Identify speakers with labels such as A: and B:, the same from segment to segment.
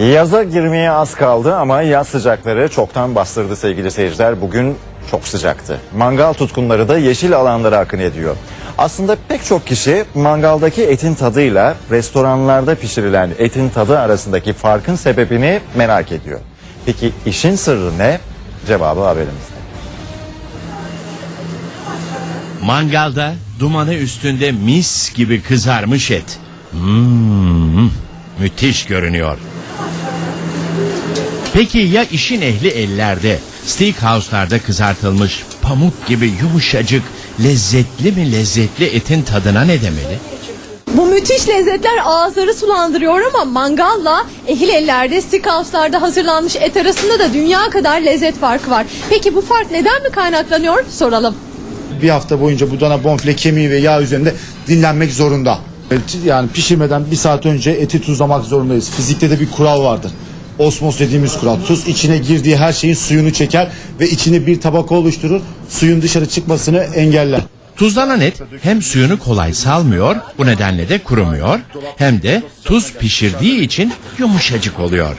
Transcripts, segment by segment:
A: Yaza girmeye az kaldı ama yaz sıcakları çoktan bastırdı sevgili seyirciler. Bugün çok sıcaktı. Mangal tutkunları da yeşil alanlara akın ediyor. Aslında pek çok kişi mangaldaki etin tadıyla restoranlarda pişirilen etin tadı arasındaki farkın sebebini merak ediyor. Peki işin sırrı ne? Cevabı haberimizde.
B: Mangalda dumanı üstünde mis gibi kızarmış et. Müthiş görünüyor. Peki ya işin ehli ellerde, steakhouse'larda kızartılmış pamuk gibi yumuşacık, lezzetli etin tadına ne demeli?
C: Bu müthiş lezzetler ağızları sulandırıyor ama mangalla ehil ellerde, steakhouse'larda hazırlanmış et arasında da dünya kadar lezzet farkı var. Peki bu fark neden mi kaynaklanıyor? Soralım.
D: Bir hafta boyunca bu dana bonfile kemiği ve yağ üzerinde dinlenmek zorunda. Yani pişirmeden bir saat önce eti tuzlamak zorundayız. Fizikte de bir kural vardır. Osmos dediğimiz kural. Tuz içine girdiği her şeyin suyunu çeker ve içine bir tabaka oluşturur. Suyun dışarı çıkmasını engeller.
B: Tuzlanan et hem suyunu kolay salmıyor, bu nedenle de kurumuyor, hem de tuz pişirdiği için yumuşacık oluyor.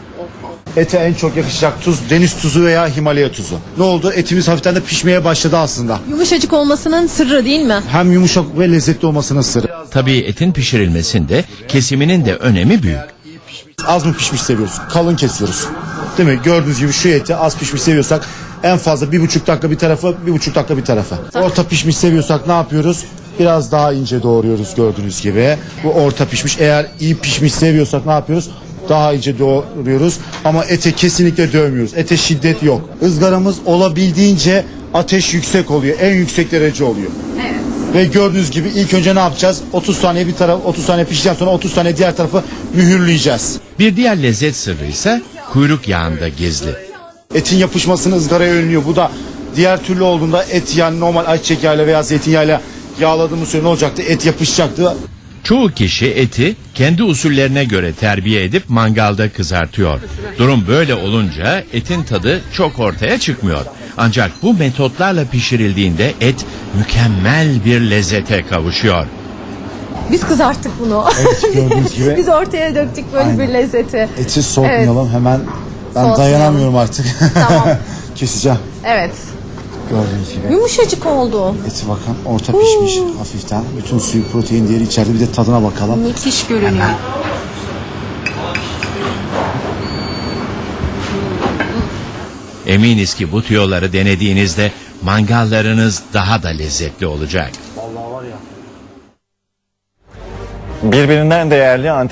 D: Ete en çok yakışacak tuz deniz tuzu veya Himalaya tuzu. Ne oldu? Etimiz hafiften de pişmeye başladı aslında.
C: Yumuşacık olmasının sırrı değil mi?
D: Hem yumuşak ve lezzetli olmasının sırrı.
B: Tabii etin pişirilmesinde kesiminin de önemi büyük.
D: Az mı pişmiş seviyoruz? Kalın kesiyoruz. Değil mi? Gördüğünüz gibi şu eti az pişmiş seviyorsak en fazla 1,5 dakika bir tarafa, 1,5 dakika bir tarafa. Orta pişmiş seviyorsak ne yapıyoruz? Biraz daha ince doğruyoruz gördüğünüz gibi. Bu orta pişmiş. Eğer iyi pişmiş seviyorsak ne yapıyoruz? Daha ince doğruyoruz. Ama ete kesinlikle dövmüyoruz. Ete şiddet yok. Izgaramız olabildiğince ateş yüksek oluyor. En yüksek derece oluyor. Evet. Ve gördüğünüz gibi ilk önce ne yapacağız? 30 saniye bir taraf, 30 saniye piştikten sonra 30 saniye diğer tarafı mühürleyeceğiz.
B: Bir diğer lezzet sırrı ise kuyruk yağında gizli.
D: Etin yapışmasını ızgaraya önlüyor. Bu da diğer türlü olduğunda et yani normal ayçiçek yağıyla veya zeytinyağıyla yağladığımız süre ne olacaktı? Et yapışacaktı.
B: Çoğu kişi eti kendi usullerine göre terbiye edip mangalda kızartıyor. Durum böyle olunca etin tadı çok ortaya çıkmıyor. Ancak bu metotlarla pişirildiğinde et mükemmel bir lezzete kavuşuyor.
C: Biz kızarttık bunu.
D: Evet gördüğünüz gibi.
C: Biz ortaya döktük böyle
D: Aynen.
C: bir lezzeti.
D: Eti soğutmayalım hemen. Ben
C: Soğutmayalım.
D: dayanamıyorum artık.
C: Tamam.
D: Keseceğim.
C: Evet.
D: Gördüğünüz gibi.
C: Yumuşacık oldu.
D: Eti bakın orta pişmiş hafiften. Bütün suyu, protein değeri içeride. Bir de tadına bakalım.
C: Müthiş görünüyor.
B: Eminiz ki bu tüyoları denediğinizde mangallarınız daha da lezzetli olacak.
A: Birbirinden değerli